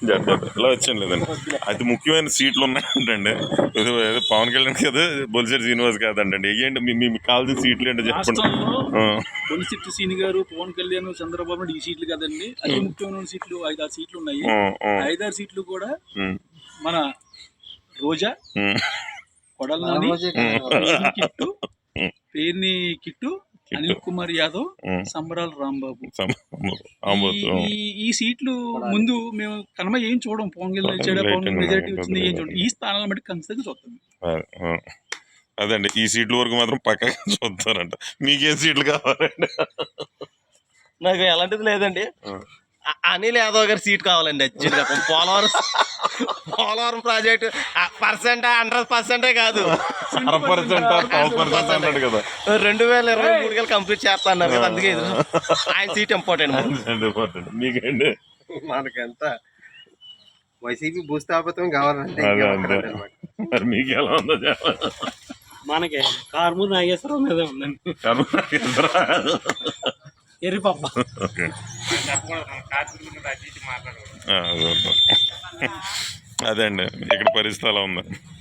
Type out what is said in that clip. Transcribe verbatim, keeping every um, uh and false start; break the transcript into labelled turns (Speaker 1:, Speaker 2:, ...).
Speaker 1: జత జత ఇలా వచ్చాను లేదండి. అతి ముఖ్యమైన సీట్లు ఉన్నాయంటండి. ఏదో ఏదో పవన్ కళ్యాణ్ కదా, బొలిశెట్టి శ్రీనివాస్ కాదండి. వెయ్యండి మీ మీకు కావాల్సిన సీట్లు ఏంటో చెప్పండి.
Speaker 2: బొలిశెట్టి శ్రీని గారు, పవన్ కళ్యాణ్, చంద్రబాబు నాయుడు ఈ సీట్లు కదండి. అతి ముఖ్యమైన సీట్లు ఐదారు సీట్లు ఉన్నాయి. ఐదారు సీట్లు కూడా మన రోజా, కొడల కిట్టు, పేర్ని కిట్టు, అనిల్ కుమార్ యాదవ్, సంబరాల రాంబాబు. ఈ సీట్లు ముందు మేము కనమ ఏం చూడం. పవన్ కళ్యాణ్ ఇచ్చాడా, పవన్ మెజారిటీ వచ్చింది ఏం చూడండి. ఈ స్థానాలను బట్టి ఖచ్చితంగా చూస్తాం.
Speaker 1: అదండి, ఈ సీట్ల వరకు మాత్రం పక్కగా చూస్తారంట. మీకేం సీట్లు కావాలండి?
Speaker 3: నాకు ఎలాంటిది లేదండి. అనిల్ యాదవ్ గారి సీట్ కావాలండి. యాక్చువల్గా Polavaram Polavaram project percent hundred పర్సెంటే కాదు, రెండు వేల ఇరవై మూడు కల్లా కంప్లీట్ చేస్తా అన్నారు కదా, అందుకే ఆయన సీట్ ఇంపార్టెంట్.
Speaker 1: మీకేంటి?
Speaker 4: మనకంతా వైసీపీ భూస్థాపితం కావాలంటే
Speaker 1: మీకు ఎలా ఉందో?
Speaker 2: మనకి కార్మూరు నాగేశ్వరరావు మీద ఉందండి. ఎర్రిపప్ప
Speaker 1: అదే అండి, ఇక్కడ పరిస్థితి అలా ఉంది.